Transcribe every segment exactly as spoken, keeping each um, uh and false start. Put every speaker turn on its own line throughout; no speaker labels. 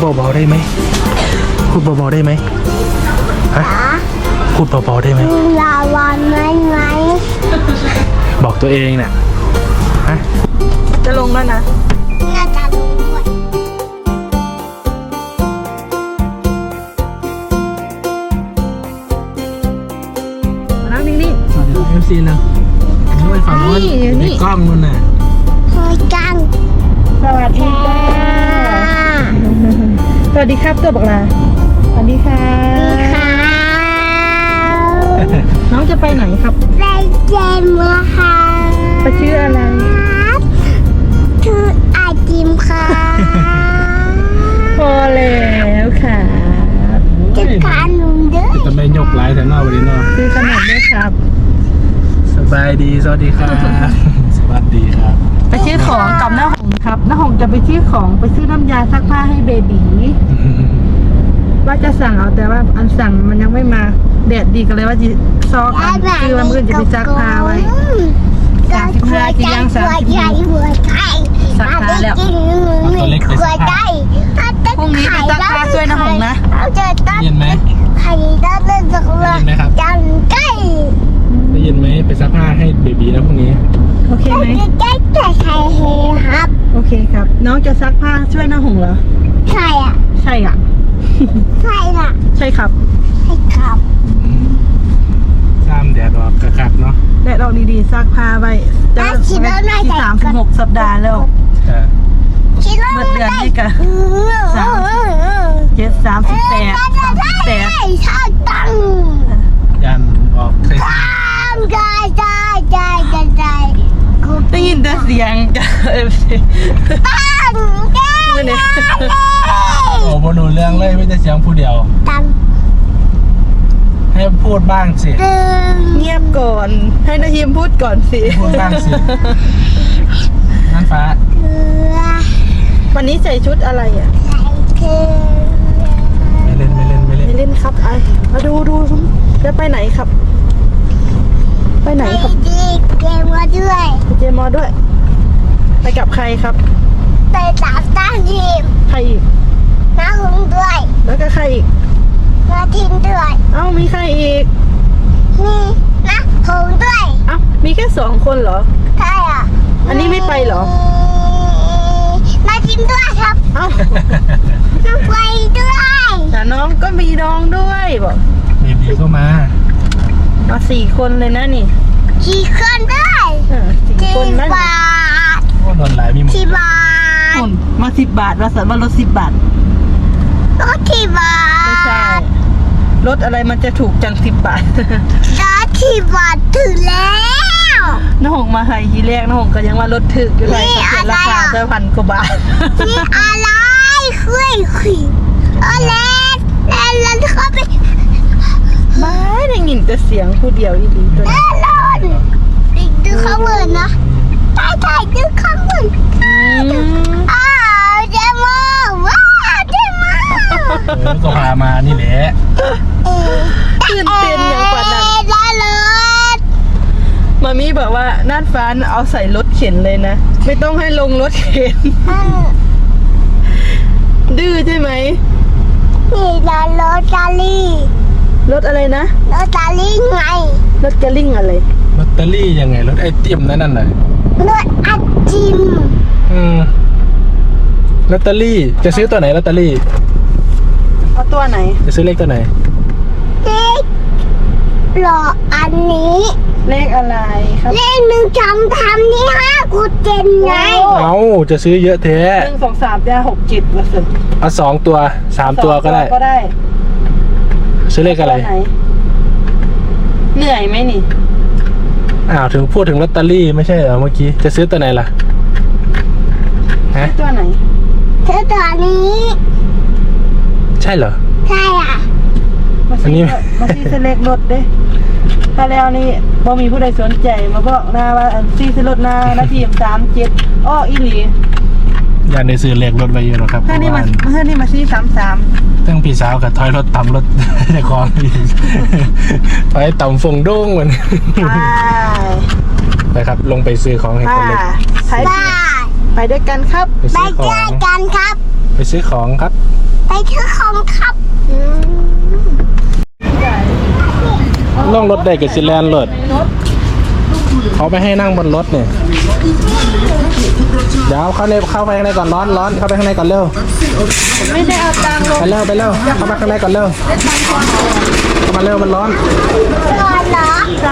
เบาๆได้ไหมพูดเบาๆได้ไหมฮะพูดเบาๆได้ไหม
ลาวันไหมไหม
บอกตัวเองน่ะฮะ
จะลงแล้วนะ
น่าจะลงด้วย
มานั่งนิ่ง
สวัสดีเอฟซีนะด้วยฝั่งโน้นในกล้องนู่นน่ะ
เฮ้ยจัง
ๆสวัสดีจ้าสวัสดีครับตัวบอกลาสวัสดีค่ะน้องจะไปไหนครับ
ไปเจมส์ค่ะ
ไปชื่ออะไร
ชื่อไอติมค่ะ
พอแล้วค่ะ
จะขนมด้วย
จะไม่ยกไลท์แต่นอกวันนี้เนาะ
ซื้อขนมด้วยครับ
สบายดีสวัสดีครับสวัสดีครับ
ไปซื้อของกับน้าหงครับน้าหงจะไปซื้อของไปซื้อน้ำยาซักผ้าให้เบบีว่าจะสั่งเอาแต่ว่าอันสั่งมันยังไม่มาแดดดีกันเลยว่าจะซอกอันคือวันมื่นจะไปซักผ้าไว้สามสิบห้าจียังสามสิบห้าซักผ้าแล้ว
ตัวเล็กไปซักผ้า
พรุ่งนี้ไปซักผ้าช่วยน้าหงนะ
ได้ยินไหม
ไข่ด้านเล่นจักรวาลจังใกล้
ได้ยินไหมไปซักผ้าให้เบบีนะพรุ่งนี้
โอเคไหม
ใกล้ใกล้ใครเฮครับ
โอเคครับน้องจะซักผ้าช่วยน้าหงเหรอ
ใช่อ่ะ
ใช่อ่ะ
ใช่อ่ะ
ใช่ครับ
ใช่ครับ
ซ้ำแดดออกกระคักเนาะ
แดดออกดีๆซักผ้าไว้จะที่สามสิบหกสัปดาห์แล้วเมื่อเดือนนี้กันสามเจ็ดสามสิบแปดสามสิบแปด
ชาตัง
ยันออกใส่
ตามใจใจใจใจใจ
ได้ยินแต่เสียงจ้ะเอฟซี
ตั้งใจ
โอ้โหดูเรื่องเลยไม่ได้เสียงผู้เดียว
ตั้ง
ให้พูดบ้างสิ
เงียบก่อนให้นาฮิมพูดก่อนสิ
พูดบ้างสินั่นฟ้า
วันนี้ใส่ชุดอะไรอ่ะ
ไม่เล่นไม่เล่นไม่เล่น
ไม่เล่นครับไอมาดูดูจะไปไหนครับไปไหนครับ
เจมมาด้วย
เจมอด้วยไปกับใครครับ
ไปตามตั้งทีม
ใครอีก
น้าหงด้วย
แล้วก็ใครอีก
น้าทินด้วย
เอ้ามีใครอีก
มีน้าหงด้วย
เอ้ามีแค่สองคนเหรอ
ใช่อ่ะ
อันนี้ไม่ไปเหรอ
น้าทินด้วยครับ
เอ้า
น้าไปด้วย
แต่น้องก็มีน้องด้วยบอก
เบบีก็มา
มาสี่คนเลยนะนี่
สี่คนด้วย
สี่คนนั่น
โอ้โดนหลายมีหมด
สี่บาท
มาสิบบาทมาสั่งว่ารถสิบบาท
รถสี่บาท
ไม่ใช่รถอะไรมันจะถูกจังสิบบาท
รถสี่บาทถึงแล้ว
น้าหงมาไฮทีแรกน้าหงก็ยังว่ารถถึกอยู่เลยเขียนราคาจะพันกว่าบาท
นี่อะไรคุยคุยอะไรแล้วแล้วเขาไป
ไม่ได้ยินแต่เสียงผู้เดียวอีหลีตัวนี้
ดูข้างบนนะใช่ใช่ดูข้างบนอ้าวเจมส์ว้าวเจมส์
ก็พามานี่แหละ
ตื่นเต้นอย่างกว่านั้นมามีบอกว่าน่านฟ้าเอาใส่รถเข็นเลยนะไม่ต้องให้ลงรถเข็นดื้อใช่ไหม
นี่รถรถจารี
รถอะไรนะ
รถจารีไง
รถจะลิ่งอะไร
ลอตเตอรี่ยังไงรถไอติมนั่นน่ะ
รถไอติม
อืมลอตเตอรี่จะซื้อตัวไหนลอตเตอรี่
เอาตัวไหน
จะซื้อเลขตัวไหน
เลขหล่ออันนี้
เลขอะไรครับ
เลขหนึ่งจำทำนี่ห้ากูเจนไง
เอาจะซื้อเยอะแท้
หนึ่งสองสามได้หกจิตละสิ
เอาสองตัวสามตัวก็ได้
ก็ได้
ซื้อเลขอะไร
เหนื่อยไหมนี่
อ้าวถึงพูดถึงลอตเตอรี่ไม่ใช่เหรอเมื่อกี้จะซื้อตัวไหนล่ะ
ฮะตัวไหน
ซื้อตัวนี้
ใช่เหรอ
ใช่อ่ะ
อันนี้มาซีเซเล็กรถเด้ถ้าแล้วนี่พอมีผู้ใดสนใจมาบอกหน้าว่าอันซีเซรถหน้านาทีสามเจ็ดอ้ออีหลี
อยากได้ซื้อเลขรถไว้เยอะหรอครับ
ถ้านี่มาถ้านี่มาซีสามสาม
ตั้งพี่สาวกับถอยรถต่ำรถในคลองถอยต่ำฟงโด่งเหมือนไปครับลงไปซื้อของให้คนเล็ก
ไปด้วยกันครับ
ไปด้วยกันครับ
ไปซื้อของครับ
ไปไปชื่อของครับอืม
ล่องรถได้กับซิแลนรถเขาไม่ให้นั่งบนรถเนี่ยเดี๋ยวเข้าในเข้าไปข้างในก่อนร้อนร้อนเข้าไปข้างในก่อนเร็ว
ไม่ได้เอาตังค์ลง
ไปเร็วไปเร็วเข้ามาข้างในก่อนเร็วเข้ามาเร็วมันร้อน
นอนเหรอ
ใช่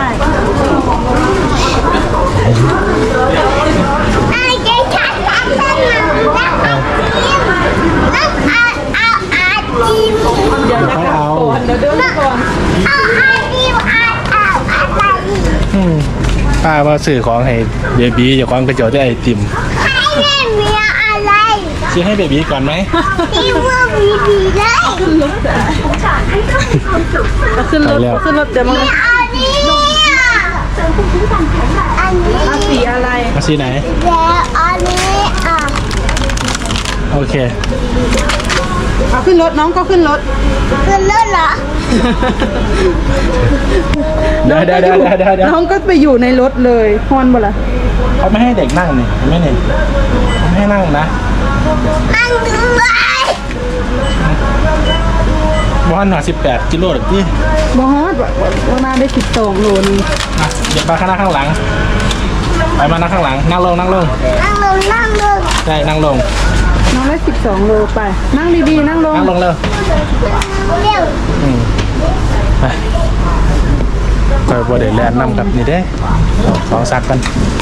ไอ้เจ๊ชัดชัดชัดนะแล้วเอาเอาเอาอาจิม
เดี๋ยวจะกลับก่อนเดี๋ยวเดินก่อน
เอาอาจิมเอาเอาอะไร
อืมป้าว่าสื่อของให้เบบีอย่าความกระเจียวได้ไอติม
ให้เล่นเมียอะไร
ซื้อให้เบบีก่อนไหม
ที่ว่ามีดีเลย
เอาขึ้นรถเอาขึ้นรถเดี๋ยวมา
อันนี้อันนี้
เอาสีอะไร
มาสีไหน
แล้วอันนี้อ่ะ
โอเค
เอาขึ้นรถน้องก็ขึ้นรถ
คือเลิศเหรอ
เดี๋ยวเดี๋ยวเดี๋ยวเดี๋ยวเดี๋ยวเดี๋ยว
น้องก็ไปอยู่ในรถเลยฮอนบ่ล่ะ
เขาไม่ให้เด็กนั่งนี่เห็นไหม่เนี่ยเขาไม่ให้นั่งนะ
นั่งด้วย
บ้านหน่อยสิบแปดกิโลหรือพี่
บอสว่ามาได้สิบสองโลนี่
อ่ะเดี๋ยวไปข้างหน้าข้างหลัง ไปมานั่งข้างหลัง นั่งลงนั่งลง
นั่งลงนั่งลง
ใช่นั่งลง
น้องได้สิบสองโลไป นั่งดีๆนั่งลง
นั่งลงเร็ว
เร็ว
อืมไปคอยบัวเดี๋ยวแลนนำกับนี่เด้สองซักกัน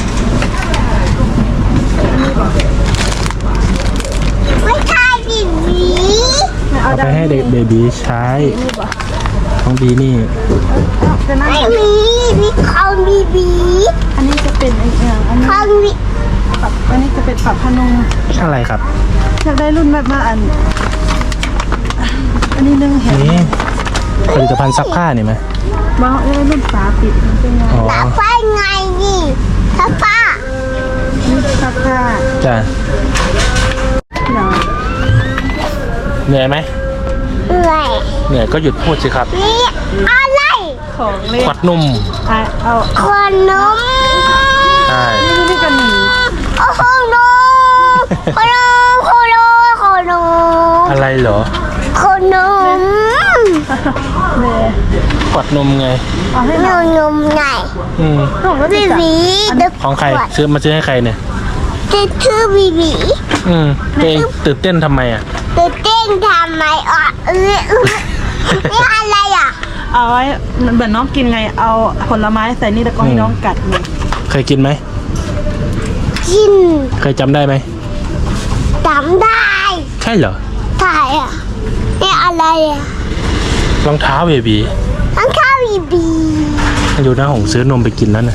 ไม่ใช่บีบี
เอาไปให้เด็กเบบีใช้ของบีนี่
จะนั่ง
ไม่มีมีของบีบี
อันนี้จะเป็นไอ้อย่างอันนี้
ของบี
ปรับอันนี้จะเป็นปรับพนม
อะไรครับ
อยากได้รุ่นแบบมาอัน อันนี้นึงเห็น
นี่ผลิตภัณฑ์ซักผ้านี่ไหม
บอสได้รุ่นฝาปิดมันเป็นไง
อ๋อ
ตาไฟไงนี่ถ้าป้า
นี่ซักผ้า
จ้ะ
เดี๋ยว
เหนื่อยไหม
เหนื่อย
เหนื่อยก็หยุดพูดสิครับ
นี่อะไร
ของเล่น
ขวดนุ่ม
อ่ะเอา
ขนม
ใช่
นี่นี่กันหนี
โอ้โหนมขนมขนมขนม
อะไรเหรอ
ขนม
เลย
ขวดนมไง
เอาให้
น
น้อง
มนมไง
อืม
น้องก็
บี
จะจับ
บีเด็ก
ของใครซื้อมาซื้อให้ใครเนี่ย
จะชื่อบีบี
อืมตัวเองตื่นเต้นทำไมอ่ะ
จะเต้นทำไมอ่ะเออเออนี่อะไรอ่ะ
เอาไว้เหมือนน้องกินไง เอาผลไม้ใส่นี่แล้วก็ให้น้องกัดเลย
เคยกินไหม
กิน
เคยจำได้ไหม
จำได้
ใช่เหรอ
ถ่ายอ่ะนี่อะไรอ่ะ
รองเท้าเบบี
ทั้งข้าวบีบี
อยู่หน้าหงซื้อนมไปกินแล้วนะ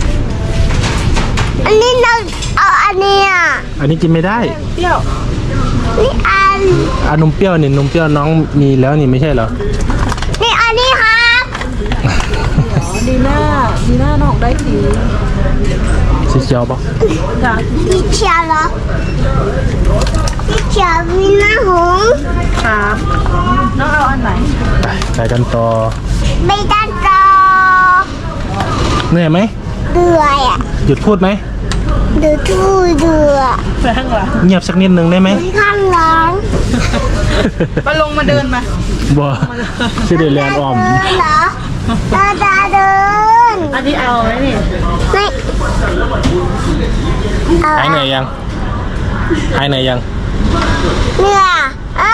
อันนี้เราเอาอันนี้อ่ะ
อันนี้กินไม่ได้
เปรี้ยว
นี่อัน
อานมเปรี้ยวนี่นมเปรี้ยวน้องมีแล้วนี่ไม่ใช่เหรอ
นี่อันนี้ครับ
ดีหน้าดีหน้าน้องได้สี
สีเขียวปะ
จ้ะ
พี่เชียร์เหรอพี่เชียร์มีหน้าหงส์
ครับน้องเอาอันไหน
ไปไปกันต่อ
ไม่ได้จอ
เหนื่อยไหม
เดือยอ่ะ
หยุดพูดไหม
เดือดทู่เดือด
ไปข้างหลัง
เงียบสักนิดนึงได้ไหม
ข้างหลัง
มาลงมาเดินมา
บัวชื่อเดลแลนด์ออม
เดินเหรอตาตาเดิน
อันนี้เอาไหมนี่
ไม่เอา
หายเหนื่อยยังหายเหนื่อยยัง
เนี่ยอ่า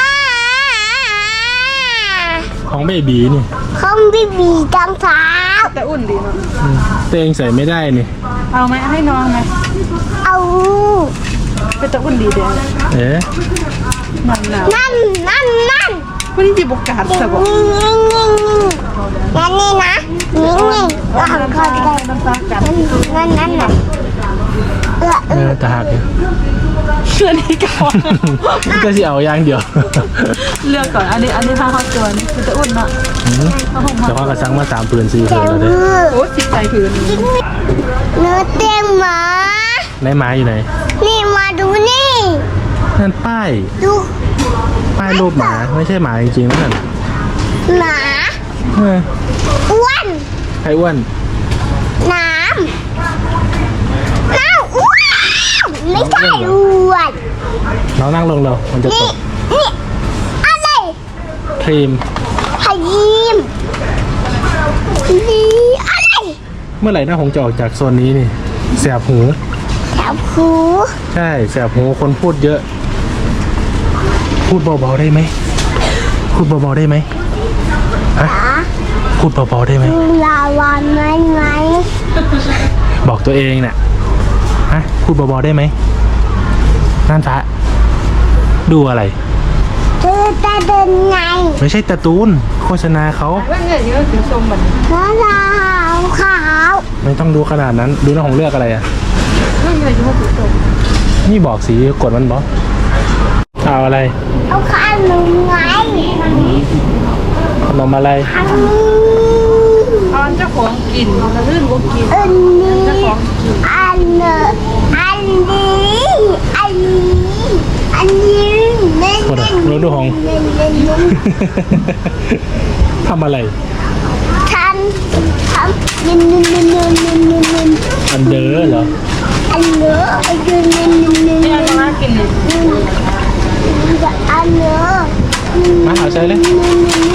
ของเบบีนี่
เขาบีบีจังเท้า
แต่อุ่นดีเนาะ
อืมตัวเองใส่ไม่ได้นี่
เอาไหมให้น้องไหม
เอา
เป็นแต่อุ่นดีเดียว
เอ๊ะ
หนาวหนาว
นั่นนั่นนั่น
วันนี้จีบโอกาสสบ
นี่นี่นี่นั่นนี่นะนี่นี่ก็หันคอได้
น้ำตากัน
นั่นนั่นน่ะเออเอ
เอ
อ
อจะหักอยู่
เชื่อนี้ก่อน
ก็สิเอาอย่างเดียว
เลือกก่อน อันนี้อันนี้ผ้าฮอตตัวนี้เป็นแต่อุ่นเนาะ
อืมแต่ว่ากระซังมาสามปืนสี่ปืนแล้วเด้อ
โอ้จิตใจพื้น
เนื้อเต็มหมา
ในไม้อยู่ไหน
นี่มาดูนี่
นั่นป้าย
ดู
ป้ายรูปหมาไม่ใช่หมาจริงๆนั่น
หมา
เออ
อ้วน
ใครอ้วน
น้ำน้ำอ้วนไม่ใช่อ้วน
น้องนั่งลงเร็วมันจะต
นี่
ก
นี่
ครีม
พายิมนี่อะไร
เมื่อไหร่หน้าหงจะออกจากโซนนี้นี่แสบหู
แถวหู
ใช่แสบหูคนพูดเยอะ พูดเบาๆได้ไหมพูดเบาๆได้ไหมฮะพูดเบาๆได้ไหม
ลาวันไหมไหม
บอกตัวเองน่ะฮะพูดเบาๆได้ไหมนั่นฟ้าดูอะไร
เธอจะเดินไง
ไม่ใช่การ์ตูนโฆษณาเขา
ว่าเงี้ยเยอะถึงชมแบบนี้
น้องขาวขาว
ไม่ต้องดูขนาดนั้นดูน้าหงเลือกอะไรอ่ะ
ว่าเงี้ยเยอะถึงชม
นี่บอกสีกดมันบอกเอาอะไร
เอาขนมไง
ขนมอะไร
อันนี้
ตอนเจ้าของกินกระลื่นก็กิน
อันนี้
เจ้าของกิน
อันเนออันนี้อันนี้อันนี้เล่น
กดอ่ะดูดูหง
เล่นเล่นเล่น
ทำอะไร
ทำทำเล่นเล่นเล่นเล่นเล่นเล่นเล่น
อันเดอร์เหรอ
อันเนออันเล่นเล่นเล่นเล่น
ที่
เล่
เรา
น
จะมากินเนี่ย
อันเนอ
มาหาใช้เลย
อันนี้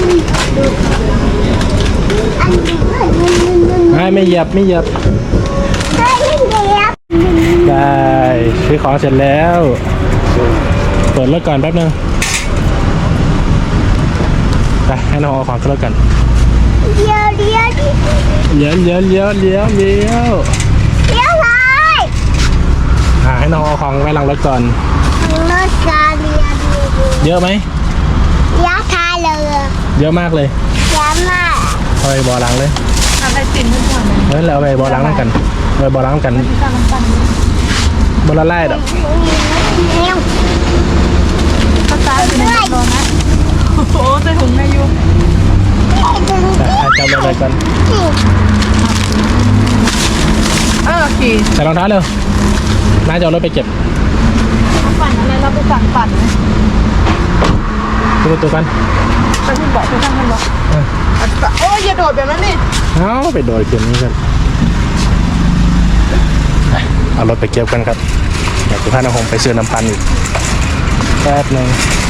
อันนี้อันนี้
ไม่ไม่เหยียบไม่เหยียบ
ได้แล้ว
ได้ซื้อของเสร็จแล้วเปิดรถก่อนแป๊บนึงไปให้น้องเอาของขึ้นรถกัน
เดี๋ยวเดี๋ยวเดี๋ยว
เลี้ยวเลี้ยวเลี้ยวเลี้ยวเลี้ยว
เดี๋ยวเลย
อ่าให้น้องเอาของไว้หลังรถก่อน
รถกาเรียดี
เยอะไหม
ยาทาเลย
เยอะมากเลย
ยามา
เอาไปบ่อหลังเลย
ทำได้กินทุกวันเลย
เฮ้ยเราเอาไปบ่อหลังกันเอาไปบ่อหลังกัน
ที่ข้าวน้ำปั่น
บนละไล่ดอก
เร็ว
ภาษาเป็นในรถนะโอ้โหใส่ถุงอายุ
ดึง
แต่ให้จับอะไรก่อน
เออขี่
ใส่รองเท้าเร็วน้าจะเอารถไปเก็บ
ปั่นอะไรเราไปสั่งปั่นไหม
ดูประตูกัน
ไปที่บอกไปทำกันบอก
เออ
โอ้ยอย่าโดดแบบนั้นนี่
เอาไปโดยเกมนี้กันไปเอารถไปเก็บกันครับเดี๋ยวคุณพาน้องหงไปซื้อน้ำพันอีกแป๊บหนึง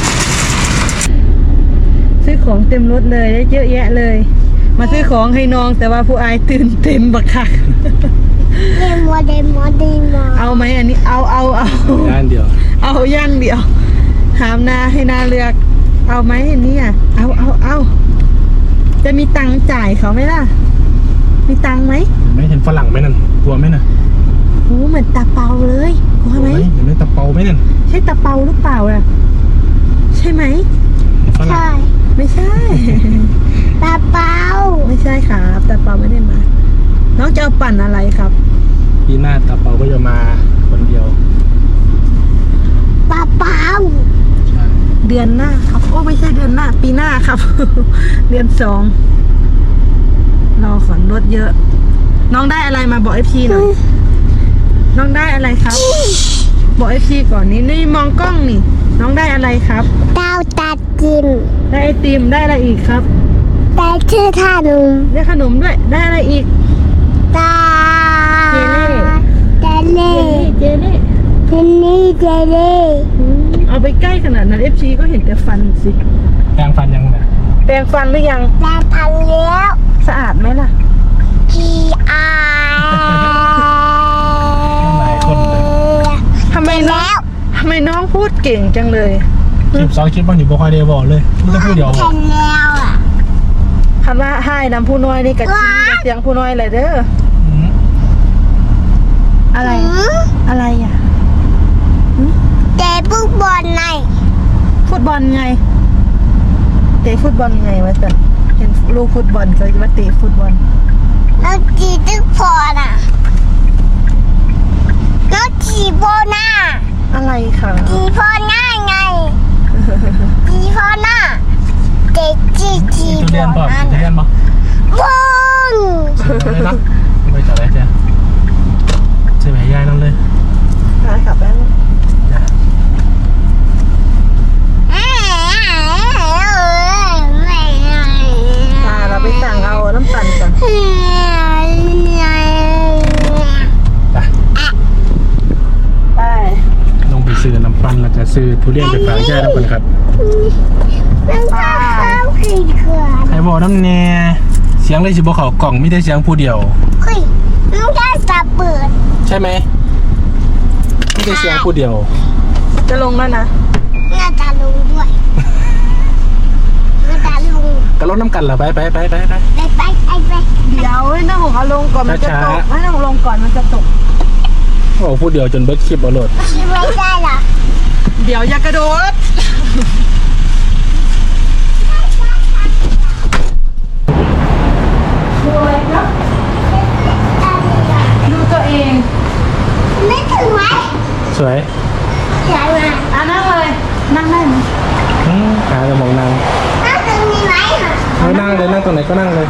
ซื้อของเต็มรถเลยได้เยอะแยะเลย มาซื้อของให้น้องแต่ว่าผู้อายตื่นเต็มบักคัก
เดโมเดโมเดโม
เอาไหมอันนี้เอาเอาเอา
ด้านเดียว
เอาย่างเดียวถามนาให้นาเลือก เอาไหมอันนี้อ่ะเอาเอาเอาจะมีตังค์จ่ายเขาไหมล่ะ มีตังค์ไหม
ไม่เห็นฝรั่งไหมนั่นกลัวไหมน่ะ
โอ้เหมือนตาเปาเลยกลัวไหม
เห็นไหมตะเปาไหมนั่น
ใช่ตาเปาหรือเปล่าล่ะใช่ไหม
เห็นฝรั่ง
ใช่
ไม่ใช่
ตาเปา
ไม่ใช่ครับตาเปาไม่ได้มา น้องจะเอาปั่นอะไรครับ
ปีหน้าตะเปาก็จะมาคนเดียว
ตาเปา
ใช่
เดือนหน้าครับโอ้ไม่ใช่เดือนหน้า ปีหน้าครับ เดือนสองรอขอนรถเยอะ น้องได้อะไรมาบอกเอฟซีหน่อยน้องได้อะไรครับ บอกเอฟซีก่อนนี่นี่มองกล้องนี่ น้องได้อะไรครับ
ดาวตัดกิน
ได้ไอติมได้อะไรอีกครับ
แต่ชื่อท่านุ่ม
ได้ขนมด้วยได้อะไรอีก
ตา
เจเล่
เจเล่
เจเล่
เพนนี่เจเล่
อืมเอาไปใกล้ขนาดนั้นเอฟซีก็เห็นแต่ฟันสิ
แปรงฟันยังไง
แปรงฟันหรือยัง
แม่พันแล้ว
สะอาดไหมล่ะ
พีอา
หลายคนเลย
ทำไมน้องทำไมน้องพูดเก่งจังเลย
คลิปสองคลิปบางทีบอกคอยเดียวบอกเลยไม่ต้องพูดเดียวบอก
พันแล้วอ่ะ
คันว่าให้นำผู้น้อยนี่กะจีกับเสียงผู้น้อยเลยเด้อ
อืม
อะไร อะไรอ่ะ
เตะฟุตบอลใน
ฟุตบอลไงเตะฟุตบอลไงวะสันเห็นลูกฟุตบอลเขาว่าเตะฟุตบอล
แล้วจีตึกพอน่ะแล้วจีโบน่า
อะไรคะ
จีพอหน้าไงจีพอหน้าเด็กจีจี
ทุ
โบ
เรียนป่ะ
น่า
ทุเรียนป่ะ
บุ้ง
เลยนะไปจัดอะไรเจ้าใช่ไหมยายนั่นเลย
พาขับแล้ว พาเราไปสั่งเอาน้ำปั่นก่อน
ไป
ไป
ลงไปซื้อน้ำปั้นแล้วก็ซื้อทุเรียนไปฝากยายแล้วกันครับ
น้ำข้าว
บอกน้ำแน่เสียงเลยสิบอกเขากล่องไม่ได้เสียงผู้เดียว
เฮ้ยน้องแค่จะเปิด
ใช่ไหมไม่ได้เสียงผู้เดียว
จะลงแล้วนะ
น่าจะลงด้วยน่าจะลง
ก็รถน้ำกันเหรอไปไปไปไปไป
ไปไปไปไป
เดี๋ยวให้น้าหงเอาลงก่อนมันจะตก
ช้าๆ
ให้น้าหงลงก่อนมันจะตก
โอ้ผู้เดียวจนเบิร์ดคลิปเอาโหลด
คิดไว้ได้เหรอ
เดี๋ยวอย่ากระโดดดูอะไรครับดูตัวเอง
ไม่ถึงไหม
สวย
ใช่ไหม
อ่ะนั่งเลยนั่งได้ไหม
อืมหาจะมองนั่ง
น่าจะมีไหมอ่ะ
เอานั่งเลยนั่งตรงไหนก็นั่งเลย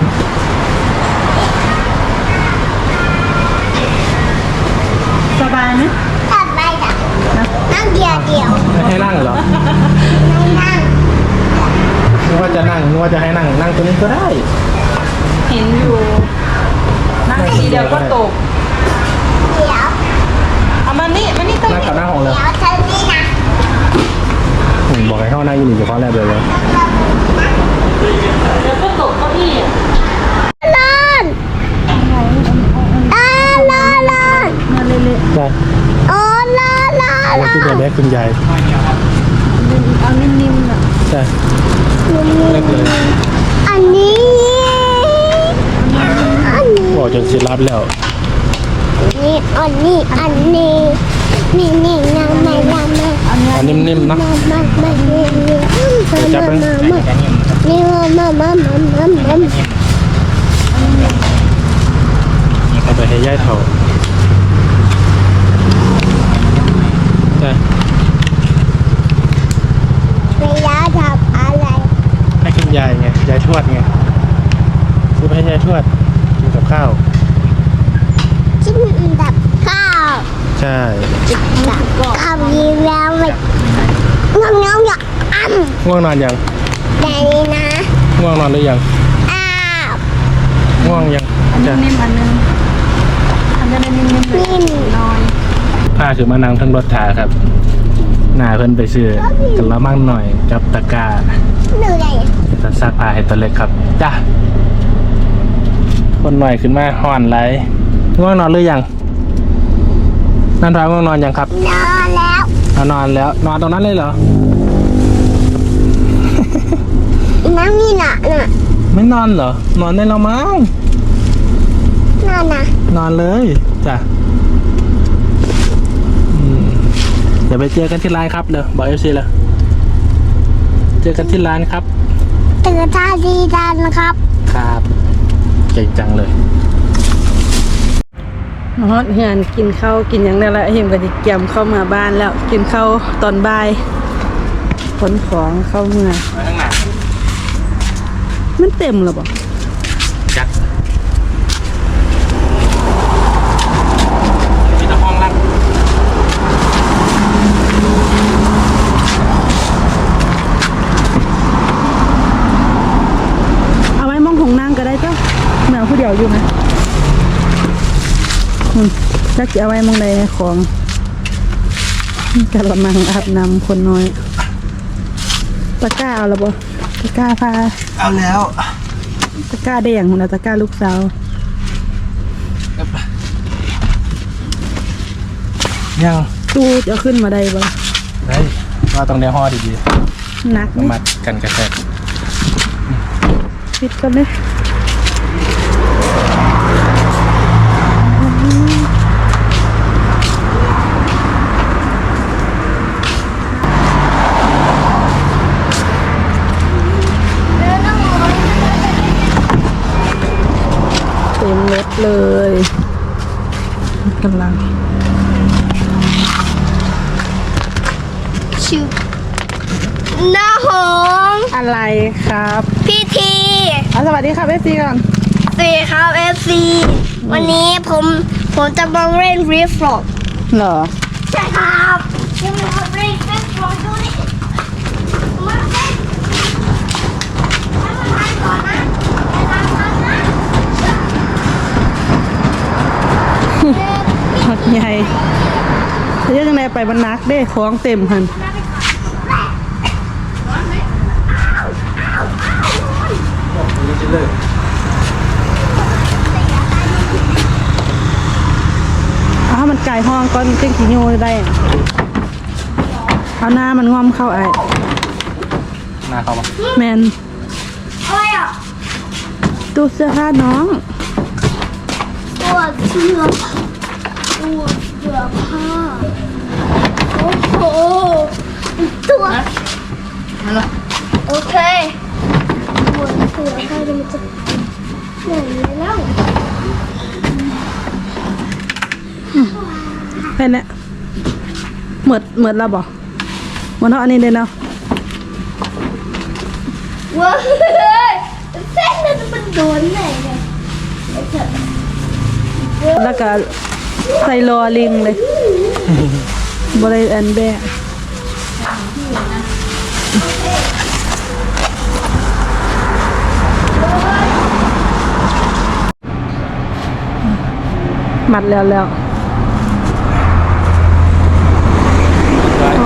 สบายไหม
ตัดไปจ้ะนั่งเดียวเดียว
ไม่ให้นั่งเหรอ
ไม่นั่ง
นึกว่าจะนั่งนึกว่าจะให้นั่งนั่งตรงนี้ก็ได้
เห็นอยู่นั่งทีเดียวก็ตก
เดี๋ยว
เอามานี่มานี่ตั้ง
นั่งกับหน้าห้องเลย
เดี๋ยวเธอนี่นะ
อืมบอกให้เข้านั่งอยู่นี่อยู่ข้อแรกเลยเลย
เดี๋ยวก็ตกเก้าอี้
นอนอ่านอนนอน
มาเละ
ได้
โอ้นอนนอน
เอาที่เดียวแรกคุณยาย
ๆเอานิ่มๆน่ะ
ใช่แรกเลย
อันนี้อันนี้
บอกจนสิรับแล้ว
นี่อันนี้อันนี้นี่นี่น้ำไม่น้ำไม่
อันเนี้ย
อันนิ่มๆเนาะ
มามามานี่นี่
จับมัน
มามานี่มามามามามามา
เอาไปให้ย่ายเถาใช่
ไม่ยาทำอะไร
ให้คุณยายไงยายทวดไงซื้อไปให้ยายทวดกินกับข้าว
กินกับข้าว
ใช่
กับข้าวยีแล้วไปน้องน้องอยากอ้ำ
ง่วงนอนยัง
แต่นี่นะ
ง่วงนอนหรือยัง
อ้าว
ง่วงยัง
อัน
จ้ะ
นิ่มๆอันนึงอันจะนิ่มๆเลย
นิ่ม
น้อย
พาคือมานั่งทั้งรถถาครับหน้าเพิ่นไปซื้อกันละมั่งหน่อยกับตะกร้า
เหนื่อย
จะซักผ้าให้ตัวเล็กครับจ้ะคนหน่อยขึ้นมาห่อนไรง่วงนอนหรือยังนั่นพาง่วงนอนยังครับ
นอนแล้ว
เอานอนแล้วนอนตรงนั้นเลยเหรอ
น้ำนี่น่ะน่ะ
ไม่นอนเหรอ นอนได้แล้วมั้ง
นอนนะ
นอนเลยจ้ะอืมเดี๋ยวไปเจอกันที่ร้านครับเลยบอกเอฟซีเลยเจอกันที่ร้านครับ
ตื่นท่าดีดันนะครับ
ครับเก่งจังเลย
ฮอตเฮือนกินข้าวกินอย่างนั้นแหละเห็นก็จะเกี่ยมเข้ามาบ้านแล้ว กินข้าวตอนบ่ายขนของเข้าเมือง
ไปข้างหน้า
มันเต็มหรอบ่
จักมีตะพองรัก
เอาไว้มองของนางก็ได้จ้ะแมวผู้เดียวอยู่ไหมอืมจักจะเอาไว้มองใดของกระมังอาบน้ำคนน้อยตะกร้าเอาละบ่ตะกร้าพา
เอาแล้ว
ตะกร้าแดงหุ่นนะตะกร้าลูกสาว
ยัง
ตู้จะเอาขึ้นมาได้บ่
ได้ว่าต้องได้ห่อดี
หนัก
ๆ
นี่
มัดกันกระแทก
ปิดกันเลยเต็มรถเลยกำลัง
ชิวน้าหง
อะไรครับ
พี่ที
เอาสวัสดีครับเอฟซีก่อน
สีครับเอฟซีวันนี้ผมผมจะมาเล่นรีฟลอก
เหรอ
ใช่ครับจะมาเล่นรีฟลอกดูดิมาเล่นให้มันทานก่อนนะให้มันทานนะ
ฮอตใหญ่เยอะจังเลยไปบรรนักเด้ของเต็มหัน
เลย
เอาให้มันไก่ห้องก้อนเต้งขี้โยได้เอาหน้ามันงอมเข้าไอ้
หน้าเข้ามา
แมน
อะไรอ่ะ
ตู้เสื้อผ้าน้อง
ตัวเสื้อตัวเสื้อผ้าโอ้โหตัวโอเคตัวเสื้อผ้าจะมันจะไหนแล้ว
แค่นี้เหมือนเหมือนเราบอกเหมือนเท่าอันนี้เลยเนาะ
ว้าวเส้นนั้นมันโดนไหนเนี่ย
แล้วก็ใส่รอลิงเลยบริเวณแบะมัดแล้วแล้วอ่อน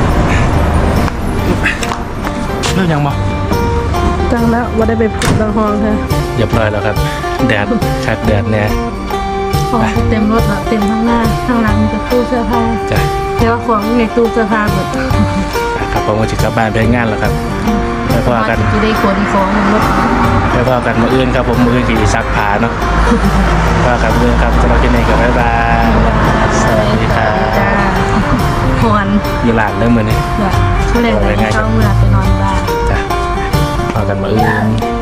เรื่องยังบ่
จังแล้วว่าได้ไปพูดบางห้องค่ะ
เรียบร้อยแล้วครับ แดดคักแดดเนี่ย
ของเต็มรถแล้วเต็มข้างหน้าข้างหลังมีแต่ตู้เสื้อผ้า
จ้ะ
เดี๋ยวของในตู้เสื้อผ้าหมด
ครับผมก็จะกลับบ้านไปงานแล้วครับแล้วก็กัน
จะได้ขนของมันรถ
แล้วก็กันมาอื่นครับผมมืออื่นขี่ซักผ้าเนาะว่ากันมือครับสำหรับที่นี่กับบ๊ายบายสวัสดีครับ
จ้าหอน
มีหลานเริ่มมือนี่
แบบช่วยเลยเข้าเมื่อไปนอนบ้าน
จ้ะว่ากันมาอื่น